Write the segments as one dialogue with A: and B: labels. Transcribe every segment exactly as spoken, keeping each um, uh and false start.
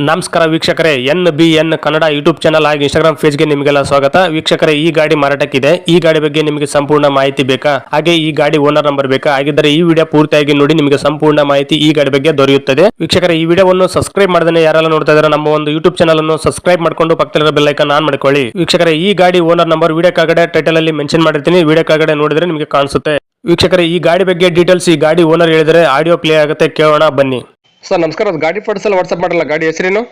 A: ನಮಸ್ಕಾರ ವೀಕ್ಷಕರೇ, N B N Kannada YouTube channel ಹಾಗೂ ಇನ್ಸ್ಟಾಗ್ರಾಮ್ ಪೇಜ್ಗೆ ನಿಮಗೆಲ್ಲ ಸ್ವಾಗತ. ವೀಕ್ಷಕರೇ, ಈ ಗಾಡಿ ಮಾರಾಟಕ್ಕಿದೆ. ಈ ಗಾಡಿ ಬಗ್ಗೆ ನಿಮಗೆ ಸಂಪೂರ್ಣ ಮಾಹಿತಿ ಬೇಕಾ, ಹಾಗೆ ಈ ಗಾಡಿ ಓನರ್ ನಂಬರ್ ಬೇಕಾ? ಹಾಗಿದ್ದರೆ ಈ ವಿಡಿಯೋ ಪೂರ್ತಿಯಾಗಿ ನೋಡಿ, ನಿಮಗೆ ಸಂಪೂರ್ಣ ಮಾಹಿತಿ ಈ ಗಾಡಿ ಬಗ್ಗೆ ದೊರೆಯುತ್ತದೆ. ವೀಕ್ಷಕರೇ, ಈ ವಿಡಿಯೋವನ್ನು ಸಬ್ಸ್ಕ್ರೈಬ್ ಮಾಡದೇ ಯಾರೆಲ್ಲ ನೋಡ್ತಾ ಇದ್ದಾರೆ ನಮ್ಮ ಒಂದು ಯೂಟ್ಯೂಬ್ ಚಾನಲ್ ಅನ್ನು ಸಬ್ಸ್ಕ್ರೈಬ್ ಮಾಡಿಕೊಂಡು ಪಕ್ಕದಲ್ಲಿರೋ ಬೆಲ್ ಐಕಾನ್ ಆನ್ ಮಾಡ್ಕೊಳ್ಳಿ. ವೀಕ್ಷಕರೇ, ಈ ಗಾಡಿ ಓನರ್ ನಂಬರ್ ವಿಡಿಯೋ ಕೆಳಗಡೆ ಟೈಟಲ್ ಅಲ್ಲಿ ಮೆನ್ಷನ್ ಮಾಡಿರ್ತೀನಿ, ವಿಡಿಯೋ ಕೆಳಗಡೆ ನೋಡಿದ್ರೆ ನಿಮಗೆ ಕಾಣಿಸುತ್ತೆ. ವೀಕ್ಷಕರೇ, ಈ ಗಾಡಿ ಬಗ್ಗೆ ಡೀಟೇಲ್ಸ್ ಈ ಗಾಡಿ ಓನರ್ ಹೇಳಿದರೆ ಆಡಿಯೋ ಪ್ಲೇ ಆಗುತ್ತೆ, ಕೇಳೋಣ ಬನ್ನಿ. ಸರ್ ನಮಸ್ಕಾರ, ಅದು ಗಾಡಿ ಫೋಟೋಸ್ ಎಲ್ಲ ವಾಟ್ಸ್ಆಪ್ ಮಾಡಲ್ಲ, ಗಾಡಿ ಹೆಸರೇನು?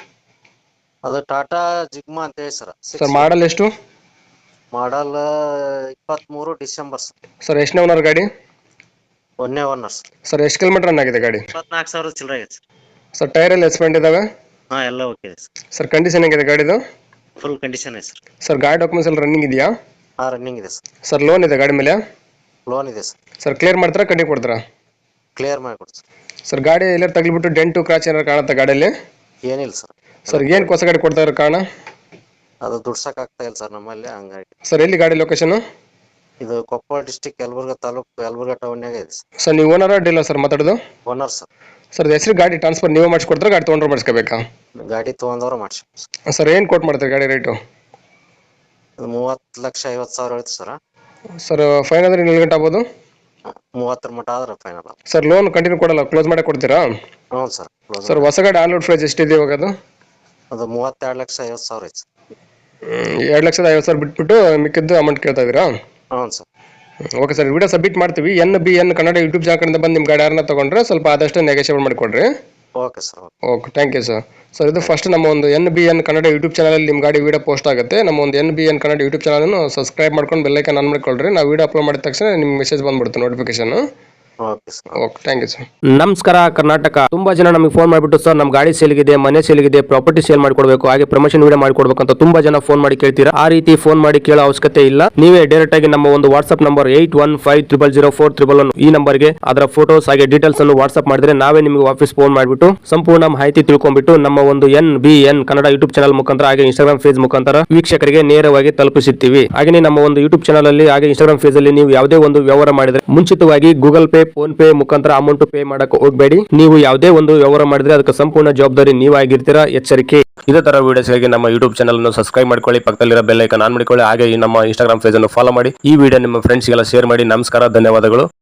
B: ಅದು ಟಾಟಾ ಜಿಗ್ಮಾ ಅಂತ ಹೇಳಿ ಸರ್.
A: ಸರ್ ಮಾಡಲ್ ಎಷ್ಟು?
B: ಮಾಡಲ್ ಇಪ್ಪತ್ಮೂರು ಡಿಸೆಂಬರ್
A: ಸರ್ ಎಷ್ಟನೇ ಓನರ್ ಗಾಡಿ?
B: ಒಂದೇ ಓನರ್ ಸರ್.
A: ಸರ್ ಎಷ್ಟು ಕಿಲೋಮೀಟರ್ ರನ್ ಆಗಿದೆ ಗಾಡಿ?
B: ಇಪ್ಪತ್ನಾಲ್ಕು ಸಾವಿರ ಚಿಲ್ಲರೆ ಆಗೈತೆ ಸರ್.
A: ಸರ್ ಟೈರ್ ಎಲ್ಲ ಎಸ್ಪೆಂಡ್ ಇದಾವೆ?
B: ಹಾ, ಎಲ್ಲ ಓಕೆ ಸರ್.
A: ಸರ್ ಕಂಡೀಷನ್ ಹೇಗಿದೆ ಗಾಡಿದು?
B: ಫುಲ್ ಕಂಡೀಷನ್ ಇದೆ ಸರ್.
A: ಸರ್ ಗಾಡಿ ಡಾಕ್ಯುಮೆಂಟ್ಸ್ ಎಲ್ಲ ರನ್ನಿಂಗ್ ಇದೆಯಾ?
B: ಹಾ, ರನ್ನಿಂಗ್ ಇದೆ ಸರ್.
A: ಸರ್ ಲೋನ್ ಇದೆ ಗಾಡಿ ಮೇಲೆ?
B: ಲೋನ್ ಇದೆ ಸರ್.
A: ಸರ್ ಕ್ಲಿಯರ್ ಮಾಡ್ತಾರಾ, ಕಟ್ಟಿ ಕೊಡ್ತಾರಾ?
B: Clear ಮಾಡಿಕೊಡ್ತು sir.
A: ಸರ್ ಗಾಡಿ ಎಲ್ಲ ತಗ್ಲಿಬಿಟ್ಟು ಡೆಂಟು ಕ್ರಾಚ್ ಏನಾರು ಕಾಣುತ್ತಾ ಗಾಡಿಯಲ್ಲಿ?
B: ಏನಿಲ್ಲ ಸರ್.
A: ಸರ್ ಏನು ಹೊಸ ಗಾಡಿ ಕೊಡ್ತಾ ಇರೋ ಕಾರಣ?
B: ಅದು ದುಡ್ಸಕ್ ಆಗ್ತಾ ಇಲ್ಲ ಸರ್ ನಮ್ಮಲ್ಲಿ, ಹಂಗಾಗಿ.
A: ಸರ್ ಎಲ್ಲಿ ಗಾಡಿ ಲೊಕೇಶನ್?
B: ಇದು ಕೊಪ್ಪಳ ಡಿಸ್ಟಿಕ್, ಯಲಬುರ್ಗಾ ತಾಲೂಕು, ಯಲಬುರ್ಗಾ ಟೌನ್ಯಾಗ ಇದೆ ಸರ್.
A: ಸರ್ ನೀವು ಓನರ್ ಡೀಲರ್ ಸರ್ ಮಾತಾಡೋದು?
B: Owner sir.
A: ಸರ್ ಹೆಸರು ಗಾಡಿ ಟ್ರಾನ್ಸ್ಫರ್ ನೀವೇ ಮಾಡಿಸ್ಕೊಡ್ತಾರೆ, ಗಾಡಿ ತೊಗೊಂಡ್ರೆ ಮಾಡಿಸ್ಕೋಬೇಕಾ?
B: ಗಾಡಿ ತೊಗೊಂಡವ್ರು ಮಾಡಿಸಿ ಸರ್.
A: ಸರ್ ಏನು ಕೊಟ್ಟು ಮಾಡ್ತಾರೆ ಗಾಡಿ ರೇಟು?
B: ಅದು ಮೂವತ್ತು ಲಕ್ಷ ಐವತ್ತು ಸಾವಿರ ಹೇಳ್ತು ಸರ್.
A: ಸರ್ ಫೈನ್ ಅಂದ್ರೆ ನೀವು ಗಂಟೆ ಆಗ್ಬೋದು?
B: ಮೂವತ್ತರ ಮಟ್ಟ ಆದ್ರೆ ಫೈನಲ್.
A: ಸರ್ ಲೋನ್ ಕಂಟಿನ್ಯೂ ಕೊಡಲ್ಲ, ಕ್ಲೋಸ್ ಮಾಡಿ ಕೊಡ್ತೀರಾ?
B: ಹ್ಞೂ ಸರ್.
A: ಸರ್ ಹೊಸ ಗಾಡಿ ಆನ್ ರೋಡ್ ಪ್ರೈಸ್ ಎಷ್ಟಿದೆ ಇವಾಗ? ಅದು
B: ಅದು ಮೂವತ್ತೆರಡು ಲಕ್ಷ ಐವತ್ತು ಸಾವಿರ ಐತೆ ಸರ್.
A: ಎರಡು ಲಕ್ಷದ ಐವತ್ತು ಸಾವಿರ ಬಿಟ್ಬಿಟ್ಟು ಮಿಕ್ಕಿದ್ದು ಅಮೌಂಟ್ ಕೇಳ್ತಾ ಇದ್ದೀರಾ?
B: ಹ್ಞೂ ಸರ್.
A: ಓಕೆ ಸರ್, ವಿಡಿಯೋ ಸಬ್ಮಿಟ್ ಮಾಡ್ತೀವಿ. N B N Kannada YouTube channel ಕಡೆಯಿಂದ ಬಂದು ನಿಮ್ಮ ಗಾಡಿ ಯಾರನ್ನ ತೊಗೊಂಡ್ರೆ ಸ್ವಲ್ಪ ಆದಷ್ಟು ನೆಗೋಷಿಯೇಟ್ ಮಾಡಿಕೊಡ್ರಿ.
B: Okay sir.
A: Okay, thank you sir. Sir ಇದು ಫಸ್ಟ್ ನಮ್ಮ ಒಂದು N B N Kannada YouTube ಚಾನಲಲ್ಲಿ ನಿಮ್ಮ ಗಾಡಿ ವಿಡಿಯೋ ಪೋಸ್ಟ್ ಆಗುತ್ತೆ. ನಮ್ಮ ಒಂದು N B N Kannada YouTube ಚಾನಲನ್ನು ಸಬ್ಸ್ಕ್ರೈಬ್ ಮಾಡ್ಕೊಂಡು ಬೆಲ್ಲೈಕನ್ ಆನ್ ಮಾಡಿಕೊಳ್ಳ್ರಿ. ನಾವು ವಿಡಿಯೋ ಅಪ್ಲೋಡ್ ಮಾಡಿದ ತಕ್ಷಣ ನಿಮ್ಗೆ ಮೆಸೇಜ್ ಬಂದ್ಬಿಡುತ್ತೆ, notification.
B: Okay sir.
A: Okay, thank you sir. ನಮಸ್ಕಾರ ಕರ್ನಾಟಕ. ತುಂಬಾ ಜನ ನಮಗೆ ಫೋನ್ ಮಾಡಿಬಿಟ್ಟು ಸರ್ ನಮ್ಮ ಗಾಡಿ ಸೇಲ್ಗಿದೆ, ಮನೆ ಸೇಲ್ಗಿದೆ, ಪ್ರಾಪರ್ಟಿ ಸೇಲ್ ಮಾಡ್ಕೊಡ್ಬೇಕು, ಹಾಗೆ ಪ್ರಮೋಷನ್ ವಿಡಿಯೋ ಮಾಡ್ಕೊಡ್ಬೇಕು ಅಂತ ತುಂಬಾ ಜನ ಫೋನ್ ಮಾಡಿ ಕೇಳ್ತೀರಾ. ಆ ರೀತಿ ಫೋನ್ ಮಾಡಿ ಕೇಳೋ ಅವಶ್ಯಕತೆ ಇಲ್ಲ. ನೀವೇ ಡೈರೆಕ್ಟ್ ಆಗಿ ನಮ್ಮ ಒಂದು WhatsApp number eight one five triple zero four triple one ಈ ನಂಬರ್ಗೆ ಅದರ ಫೋಟೋಸ್ ಹಾಗೆ ಡೀಟೇಲ್ಸ್ ಅನ್ನು ವಾಟ್ಸ್ಆಪ್ ಮಾಡಿದ್ರೆ ನಾವೇ ನಿಮಗೆ ವಾಪಸ್ ಫೋನ್ ಮಾಡಿಬಿಟ್ಟು ಸಂಪೂರ್ಣ ಮಾಹಿತಿ ತಿಳ್ಕೊಂಡ್ಬಿಟ್ಟು ನಮ್ಮ ಒಂದು N B N Kannada YouTube channel ಮುಖಾಂತರ ಹಾಗೆ ಇನ್ಸ್ಟಾಗ್ರಾಮ್ ಪೇಜ್ ಮುಖಾಂತರ ವೀಕ್ಷಕರಿಗೆ ನೇರವಾಗಿ ತಲುಪಿಸುತ್ತೀವಿ. ಹಾಗೆ ನಮ್ಮ ಒಂದು ಯೂಟ್ಯೂಬ್ ಚಾನಲ್ ಅಲ್ಲಿ ಹಾಗೆ ಇನ್ಸ್ಟಾಗ್ರಾಮ್ ಪೇಜ್ ಅಲ್ಲಿ ನೀವು ಯಾವುದೇ ಒಂದು ವ್ಯವಹಾರ ಮಾಡಿದ್ರೆ ಮುಂಚಿತವಾಗಿ ಗೂಗಲ್ ಪೇ, ಫೋನ್ ಪೇ ಮುಖಾಂತರ ಅಮೌಂಟ್ ಪೇ ಮಾಡಕ್ಕೆ ಹೋಗಬೇಡಿ. ನೀವು ಯಾವುದೇ ಒಂದು ವ್ಯವಹಾರ ಮಾಡಿದ್ರೆ ಅದಕ್ಕೆ ಸಂಪೂರ್ಣ ಜವಾಬ್ದಾರಿ ನೀವಾಗಿರ್ತೀರಾ, ಎಚ್ಚರಿಕೆ. ಇದೇ ತರ ವಿಡಿಯೋಸ್ಗಾಗಿ ನಮ್ಮ ಯೂಟ್ಯೂಬ್ ಚಾನಲ್ ಅನ್ನು ಸಬ್ಸ್ಕ್ರೈಬ್ ಮಾಡ್ಕೊಳ್ಳಿ, ಪಕ್ಕದಲ್ಲಿರೋ ಬೆಲ್ ಐಕಾನ್ ಆನ್ ಮಾಡಿಕೊಳ್ಳಿ, ಹಾಗೆ ಈ ನಮ್ಮ ಇನ್ಸ್ಟಾಗ್ರಾಮ್ ಪೇಜ್ ಅನ್ನು ಫಾಲೋ ಮಾಡಿ. ಈ ವಿಡಿಯೋ ನಿಮ್ಮ ಫ್ರೆಂಡ್ಸ್ಗೆಲ್ಲ ಶೇರ್ ಮಾಡಿ. ನಮಸ್ಕಾರ, ಧನ್ಯವಾದಗಳು.